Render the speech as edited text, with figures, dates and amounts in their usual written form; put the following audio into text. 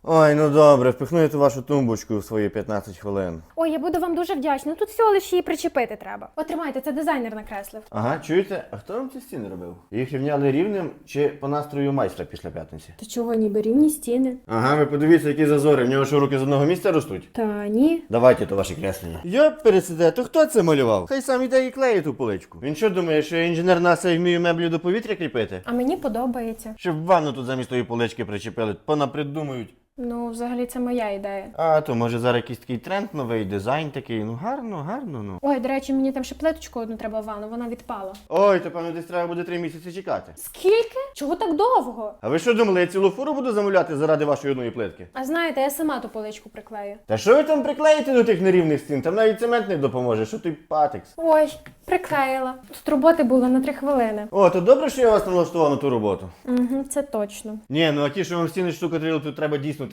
Ой, ну добре, впихну я ту вашу тумбочку в свої 15 хвилин. Ой, я буду вам дуже вдячна. Тут всього лише її причепити треба. Отримайте, це дизайнер накреслив. Ага, чуєте? А хто вам ці стіни робив? Їх рівняли рівним чи по настрою майстра після п'ятниці? Та чого, ніби рівні стіни? Ага, ви подивіться, які зазори. В нього що, руки з одного місця ростуть? Та ні. Давайте то ваше креслення. Я пересиде, то хто це малював? Хай сам іде і клеїть ту поличку. Він що думає, що я інженер НАСА і вмію меблі до повітря кріпити? А мені подобається. Щоб ванну тут замість тої полички причепили, понапридумують. Ну, взагалі, це моя ідея. А то може зараз якийсь такий тренд, новий дизайн такий. Ну гарно, ну. Ой, до речі, мені там ще плиточку одну треба в ванну, вона відпала. Ой, то певно десь треба буде 3 місяці чекати. Скільки? Чого так довго? А ви що думали, я цілу фуру буду замовляти заради вашої одної плитки? А знаєте, я сама ту поличку приклею. Та що ви там приклеїте до тих нерівних стін? Там навіть цемент не допоможе, що той патекс. Ой, приклеїла. Тут роботи було на 3 хвилини. О, то добре, що я вас налаштував на ту роботу. Угу, це точно. Ні, ну а ті, що вам стіни штукатурили, тут треба дійсно